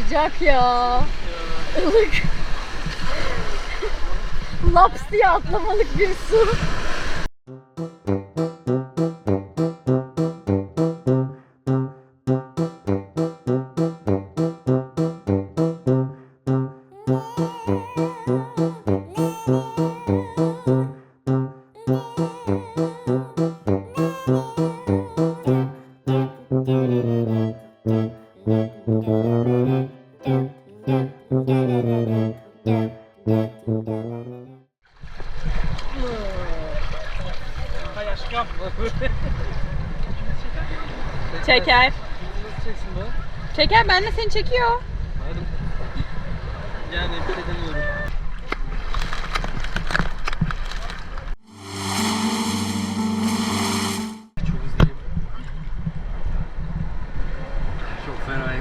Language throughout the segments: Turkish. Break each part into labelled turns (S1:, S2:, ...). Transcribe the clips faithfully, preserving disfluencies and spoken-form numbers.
S1: sıcak ya. Ilık. Laps diye atlamalık bir su. Çeker. Çeker, ben de seni çekiyor.
S2: Yani bir şey demiyorum. Çok hızlıyım. Çok fenayım.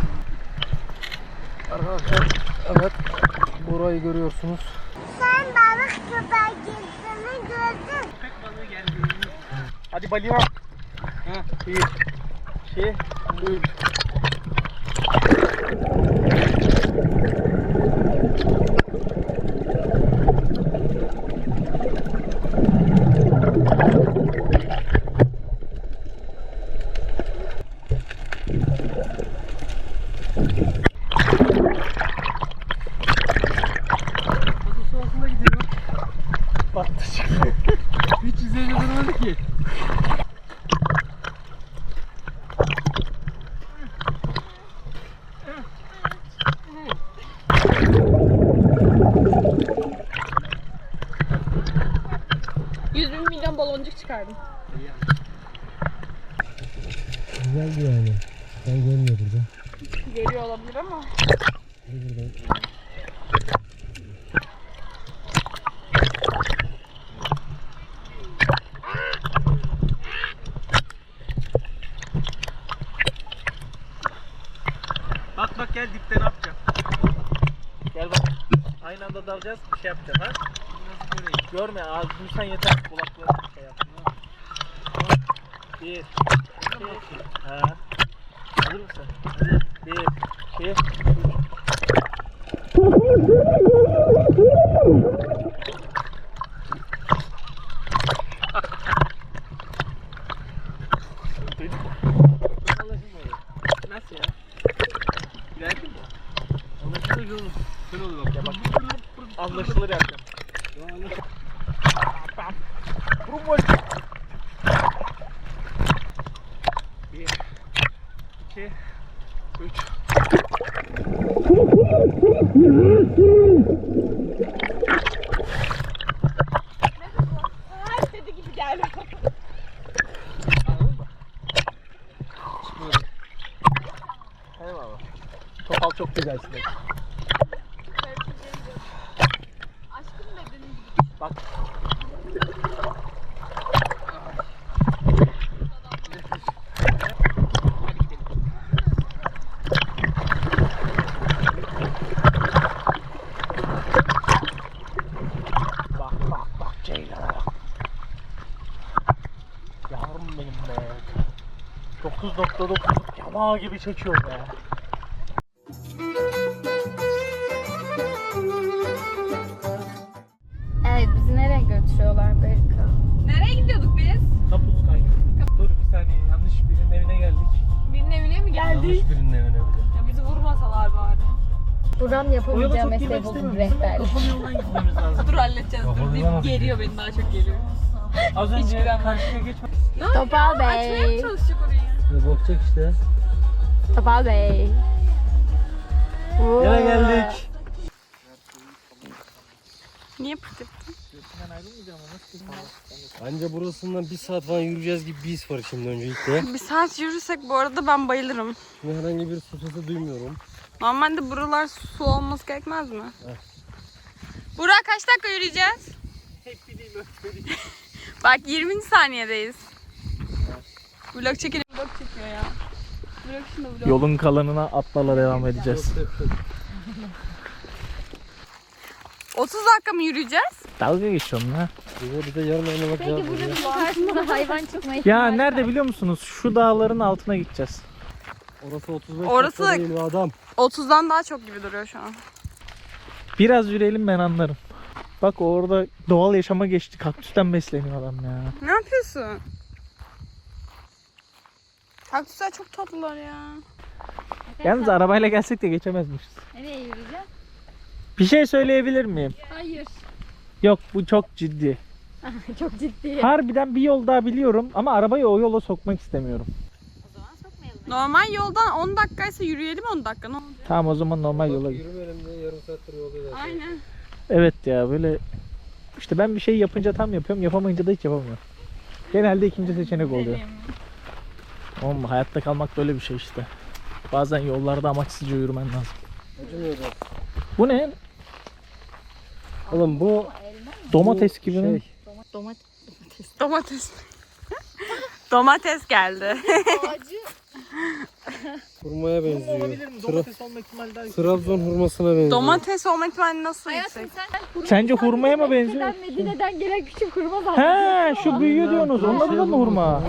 S2: Arkadaşlar, evet, burayı görüyorsunuz.
S3: Sen balık kadar girdiğini gördün.
S2: Köpek balığı geldi. Hadi balığa. Ha, bir, iki, üç. Nasıl altında gidiyor? Battı çıktı. Hiç yüzeyine durmadı ki.
S1: yüz bin milyon baloncuk çıkardım.
S2: Güzeldi yani. Ben görmüyor burada.
S1: Geliyor olabilir ama.
S2: Bak bak gel dipten atacağım. Gel bak. Aynı anda dalacağız, bir şey yapacağız ha. Görme, ağzını duysan yeter. Kulaklarını şey yap. Bir, iki, ha. Hazır mısın? Hadi. Bir, iki, üç. Nasıl ya? Gidersin mi? Anlaşılır olur. Şöyle olur bak ya bak. Anlaşılır yapacağım. Vurun. Bir, iki, üç.
S1: Her istediği gibi geldi.
S2: Anladın mı? Çıkmıyorum. Eyvallah. Topal çok güzelsin.
S1: Aşkım bedenin gibi.
S2: Bak. Bak bak bak Ceylan'a bak. Yavrum benim be. dokuz nokta dokuz yamağı gibi çekiyor be.
S1: Evet, bizi nereye götürüyorlar Berika? Nereye gidiyorduk biz?
S2: Kapuz kaynıyor. Dur bir saniye, yanlış birinin evine geldik.
S1: Birinin evine mi geldik?
S2: Yanlış birinin evine bile.
S1: Ya bizi vurmasalar bari.
S4: Buram yapabileceğim mesleği buldum, rehberlik.
S2: Kapalı yoldan gitmemiz lazım.
S1: Dur halledeceğiz. Dur
S2: Kapalı
S1: deyip
S2: yoldan
S1: geriyor beni, daha çok geliyor.
S2: Az
S1: Hiç
S2: önce
S1: güvenmem.
S2: karşıya geçmek.
S4: Topal Bey.
S1: Açmaya mı çalışacak orayı?
S2: Ne bakacak işte.
S4: Topal Bey.
S2: Yine geldik.
S1: Niye pırt yaptın?
S2: Bence burasından bir saat falan yürüyeceğiz gibi bir his var şimdi öncelikle.
S1: Bir saat yürürsek bu arada ben bayılırım.
S2: Şimdi herhangi bir su sesi duymuyorum.
S1: Normalde buralar su olması gerekmez mi?
S2: Evet.
S1: Burak kaç dakika yürüyeceğiz?
S2: Hep bileyim öyle.
S1: Bak yirminci saniyedeyiz. Vlog çekelim, vlog çekiyor ya. Vlog şunu vlog.
S5: Yolun kalanına atlarla devam edeceğiz.
S1: otuz dakika mı yürüyeceğiz?
S5: Dalga geçiyorum ha.
S2: Bir de yarın oynamak
S4: Peki burada bir karşımıza hayvan çıkma ihtimali
S5: Ya
S4: var.
S5: nerede biliyor musunuz? Şu dağların altına gideceğiz.
S6: Orası otuz beş
S1: Orası-
S6: dakika değil be adam.
S1: otuzdan daha çok gibi duruyor şu an.
S5: Biraz yürüyelim ben anlarım. Bak orada doğal yaşama geçti. Kaktüsten besleniyor adam ya.
S1: Ne yapıyorsun? Kaktüsler çok tatlılar ya.
S5: Yalnız arabayla gelsek de geçemezmişiz.
S4: Nereye yürüyeceğim?
S5: Bir şey söyleyebilir miyim?
S4: Hayır.
S5: Yok, bu çok ciddi.
S4: Çok ciddi.
S5: Harbiden bir yol daha biliyorum ama arabayı o yola sokmak istemiyorum.
S4: O zaman sokmayalım.
S1: Normal yoldan on dakikaysa yürüyelim on dakika. Ne oldu?
S5: Tamam, o zaman normal yola git.
S6: Yürümeyelim diye yarım saattir yoldayız.
S1: Aynen.
S5: Evet ya, böyle işte ben bir şey yapınca tam yapıyorum, yapamayınca da hiç yapamıyorum. Genelde ikinci seçenek oluyor. Oğlum hayatta kalmak böyle bir şey işte. Bazen yollarda amaçsızca yürümen lazım.
S6: Acımıyor da.
S5: Bu ne?
S6: Oğlum bu
S5: Domates gibi mi?
S6: şey,
S4: Domates.
S1: Domates. Domates geldi.
S4: Ağacı.
S6: hurmaya benziyor.
S5: mi?
S6: Tra-
S5: olma ihtimali daha
S6: Trabzon hurmasına benziyor.
S1: Domates olma ihtimali nasıl
S4: Hayatım
S1: yüksek?
S4: sen
S5: Sence hurmaya mı benziyor?
S4: Medine'den, Medine'den gelen küçük hurma zaten.
S5: He, şu büyüyor diyorsunuz. Onun da mı hurma?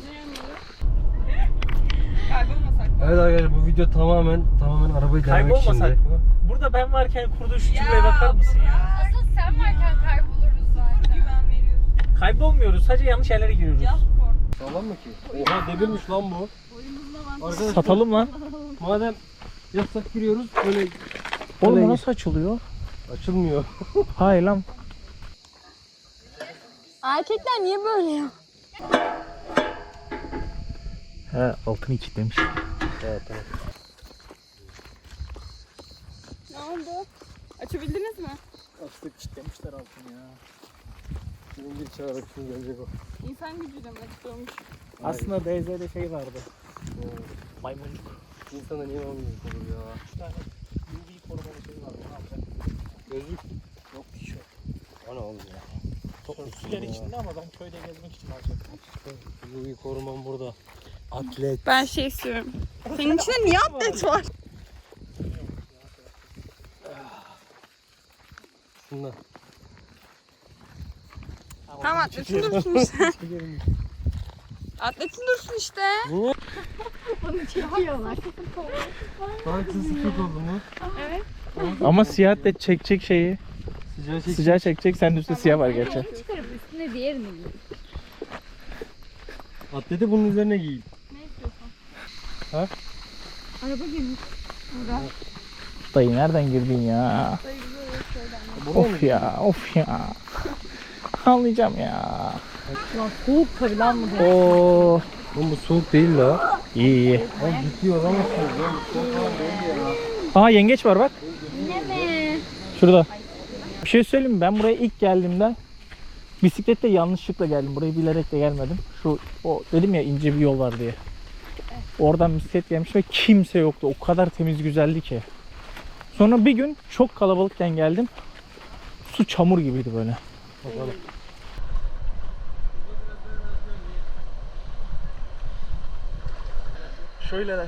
S6: Evet arkadaşlar, bu video tamamen tamamen arabayı denemek için.
S5: Kaybolmasak mı? Burada ben varken kurduğu şu cümleye bakar mısın ya?
S4: Asıl sen varken kayboluruz zaten.
S5: Kaybolmuyoruz. Sadece yanlış yerlere giriyoruz.
S6: Sağlam mı ki? Oha, demirmiş lan bu. Arkadaşlar,
S5: Satalım lan.
S6: madem yasak giriyoruz, böyle
S5: Oğlum
S6: Öyle
S5: bu nasıl açılıyor?
S6: açılmıyor.
S5: Hayır lan.
S1: Erkekler niye böyle ya?
S5: He, altını kilitlemiş.
S6: Evet, tamam.
S1: Ne oldu? Açabildiniz mi?
S5: Açtık, kilitlemişler altını ya.
S6: Şimdi bir çağırarak şimdi gelecek o.
S1: İnsan gücüyle mi açılıyormuş?
S5: Aslında D Z'de şey vardı. Maymuncuk.
S6: İnsana niye olmayacak olur ya?
S5: Bir tane U V korumalı şey vardı. Ne yapacak?
S6: Gözlük.
S5: Yok, hiç yok.
S6: O ne oğlum ya?
S5: Sörfçüler içinde ama ben köyde gezmek için alacaktım.
S6: Bu bir korumam burada. Atlet.
S1: Ben şey istiyorum. Senin içinde niye atlet var?
S6: Şundan.
S1: Tamam atletin dursun işte. Atletin dursun işte.
S6: Niye?
S4: Bunu çekiyorlar.
S6: Hangisi sıkıntı oldu mu?
S5: Ama siyah da çekecek şeyi.
S6: Sıcağı çek.
S5: Sıcağı çekecek. Senin üstte siyah var gerçi.
S4: Onu çıkarıp üstüne diğerini giy.
S6: Atleti bunun üzerine giyin.
S4: Araba girmiş.
S5: Dayı nereden girdin ya? Of ya, of ya. Ağlayacağım ya.
S4: Ulan soğuk tabii lan mı?
S5: Oo,
S6: Oğlum bu soğuk değil la.
S5: iyi iyi.
S6: Oğlum ciddi olamazsınız ya. Bu soğuk falan değil ya.
S5: Aa, yengeç var bak.
S4: Ne mi?
S5: Şurada. Bir şey söyleyeyim mi? Ben buraya ilk geldiğimde bisikletle yanlışlıkla geldim. Burayı bilerek de gelmedim. Şu o dedim ya, ince bir yol var diye. Oradan bisiklet gelmiş ve kimse yoktu. O kadar temiz, güzeldi ki. Sonra bir gün çok kalabalıkken geldim. Su çamur gibiydi böyle.
S6: Bakalım.
S5: Şöyleler.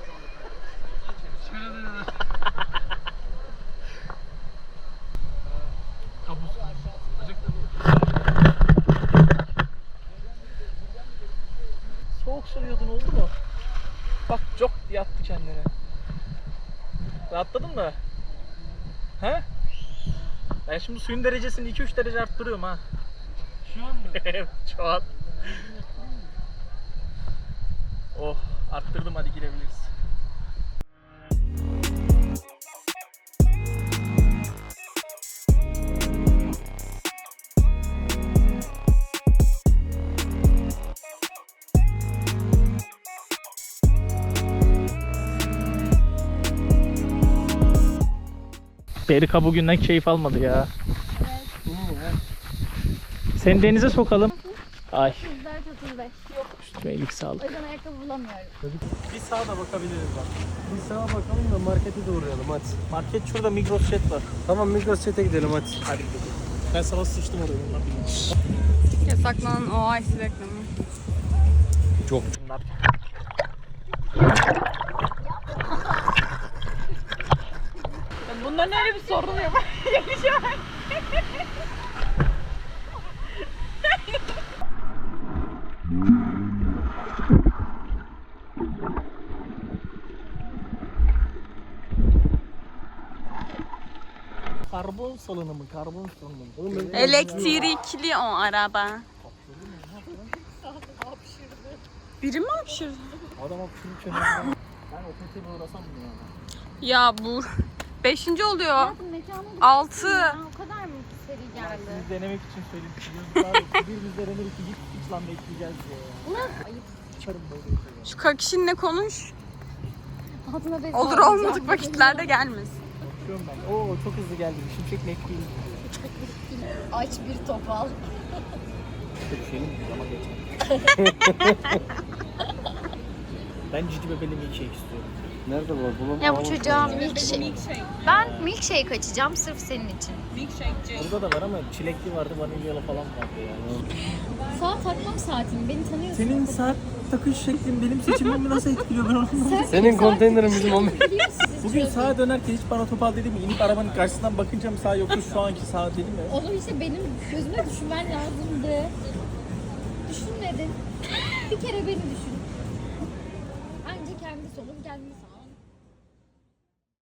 S5: Soğuk sürüyordun, oldu mu? Bak, çok yattı kendine. Rahatladın mı? He? Ben şimdi suyun derecesini iki üç derece arttırıyorum ha.
S6: Şu an mı?
S5: Evet, şu an. Oh, arttırdım, hadi girebiliriz. Berika bugünden keyif almadı ya. Seni denize sokalım. Ay,
S4: yüz dört otuz beş.
S5: üstüme iyilik
S4: O
S5: sağlık.
S4: yüzden ayakkabı bulamıyorum.
S5: Bir sağa da bakabiliriz bak.
S6: Bir sağa bakalım da markete de uğrayalım hadi.
S5: Market şurada, Migros Jet var.
S6: Tamam, Migros Chat'e gidelim hadi.
S5: Hadi gidelim. Ben sana sıçtım oraya, bunlar bilmiyor.
S1: Yasaklanan o ice reklamı.
S6: Çok.
S5: Bunlar.
S1: Bunların öyle bir sorunu yok. Yakışıyor.
S5: karbon salınımı, karbon salınımı. Oğlum ben-
S1: Elektrikli o araba. Biri mi hapşırdı?
S5: Adam hapşırırken ben o petine uğrasam mı ya?
S1: Ya bu beşinci oluyor.
S4: Hayatım mekanı
S1: Altı.
S4: ya. O kadar mı seri geldi?
S5: Siz denemek için söyledim. Biliyorsunuz abi birimiz denenir ki hiç hiç lan bekleyeceğiz diye ya.
S4: Ayıp.
S5: Çıkarım böyle bir şey ya.
S1: Şu kakişinle konuş.
S4: Altına bez
S1: Olur
S4: bağlayacağım.
S1: olmadık vakitlerde gelmesin.
S5: Bakıyorum ben. Oo çok hızlı geldi. Şimşek McQueen.
S4: Aç bir topal.
S5: Bir şey mi? Ama geçer. Ben cici bebeli milkshake istiyorum.
S6: Nerede var? Bulam
S4: Ya bu çocuğa milkshake. Ben milkshake açacağım sırf senin için.
S5: Burada da var ama çilekli vardı, vanilyalı falan vardı yani.
S4: Saat takmam saatimi. Beni tanıyorsun.
S5: Senin saat takış şeklin benim seçimimi nasıl etkiliyor ben onu anlamadım.
S6: Senin konteynerin bizim on
S5: Bugün sağa dönerken hiç bana topal dedi mi? İnip arabanın karşısından bakınca mı sağ yoktu şu anki sağ dedi mi?
S4: Onu işte benim gözüme düşünmen lazımdı. Düşünmedin. Bir kere beni düşün. Anca kendi solum kendi sağım.